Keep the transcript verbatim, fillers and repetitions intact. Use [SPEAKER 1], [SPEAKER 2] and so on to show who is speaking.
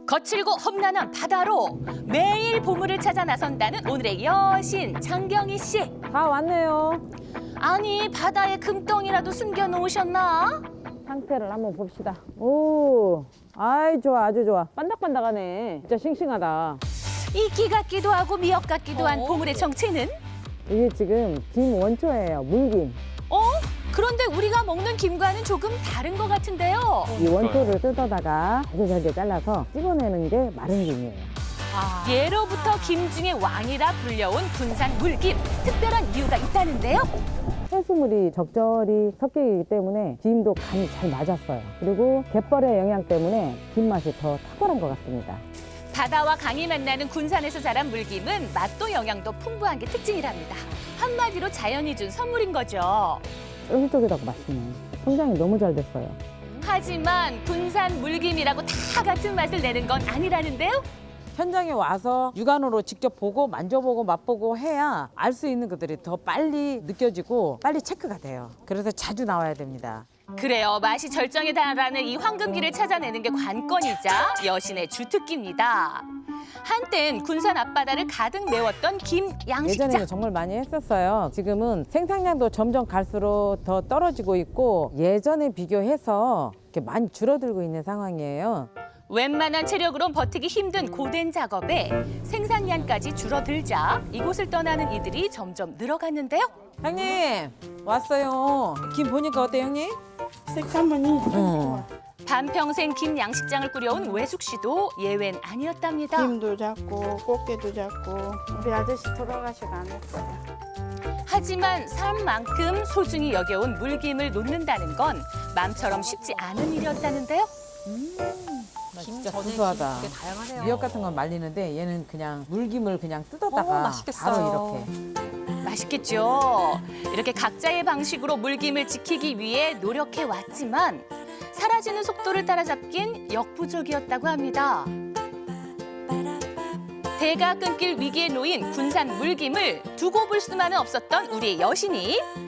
[SPEAKER 1] 거칠고 험난한 바다로 매일 보물을 찾아 나선다는 오늘의 여신 장경희 씨.
[SPEAKER 2] 다 왔네요.
[SPEAKER 1] 아니 바다에 금덩이라도 숨겨놓으셨나?
[SPEAKER 2] 상태를 한번 봅시다. 오, 아이 좋아, 아주 좋아. 반짝반짝하네. 진짜 싱싱하다.
[SPEAKER 1] 이끼 같기도 하고 미역 같기도 한 보물의 정체는?
[SPEAKER 2] 이게 지금 김원초예요. 물김.
[SPEAKER 1] 어? 그런데 우리가 먹는 김과는 조금 다른 것 같은데요.
[SPEAKER 2] 이 원초를 뜯어다가 잘게 잘게 잘라서 찍어내는 게 마른 김이에요.
[SPEAKER 1] 예로부터 김 중에 왕이라 불려온 군산 물김. 특별한 이유가 있다는데요.
[SPEAKER 2] 해수물이 적절히 섞여 있기 때문에 김도 간이 잘 맞았어요. 그리고 갯벌의 영향 때문에 김 맛이 더 탁월한 것 같습니다.
[SPEAKER 1] 바다와 강이 만나는 군산에서 자란 물김은 맛도 영양도 풍부한 게 특징이랍니다. 한마디로 자연이 준 선물인 거죠.
[SPEAKER 2] 쫄깃쫄깃하고 맛있네. 성장이 너무 잘 됐어요.
[SPEAKER 1] 하지만 군산 물김이라고 다 같은 맛을 내는 건 아니라는데요.
[SPEAKER 3] 현장에 와서 육안으로 직접 보고 만져보고 맛보고 해야 알 수 있는 것들이 더 빨리 느껴지고 빨리 체크가 돼요. 그래서 자주 나와야 됩니다.
[SPEAKER 1] 그래요. 맛이 절정에 달하는 이 황금기를 찾아내는 게 관건이자 여신의 주특기입니다. 한땐 군산 앞바다를 가득 메웠던 김 양식장.
[SPEAKER 3] 예전에는 정말 많이 했었어요. 지금은 생산량도 점점 갈수록 더 떨어지고 있고 예전에 비교해서 이렇게 많이 줄어들고 있는 상황이에요.
[SPEAKER 1] 웬만한 체력으론 버티기 힘든 고된 작업에 생산량까지 줄어들자 이곳을 떠나는 이들이 점점 늘어갔는데요.
[SPEAKER 3] 형님 왔어요. 김 보니까 어때 형님?
[SPEAKER 4] 색감은이
[SPEAKER 3] 응.
[SPEAKER 1] 반평생 김 양식장을 꾸려온 외숙 씨도 예외는 아니었답니다.
[SPEAKER 4] 김도 잡고 꽃게도 잡고 우리 아저씨 돌아가시고 안 했어요.
[SPEAKER 1] 하지만 삶만큼 소중히 여겨온 물김을 놓는다는 건 맘처럼 쉽지 않은 일이었다는데요.
[SPEAKER 3] 나 진짜 구수하다. 미역 같은 건 말리는데 얘는 그냥 물김을 그냥 뜯었다가 바로 이렇게.
[SPEAKER 1] 맛있겠죠. 이렇게 각자의 방식으로 물김을 지키기 위해 노력해 왔지만 사라지는 속도를 따라잡긴 역부족이었다고 합니다. 대가 끊길 위기에 놓인 군산 물김을 두고 볼 수만은 없었던 우리의 여신이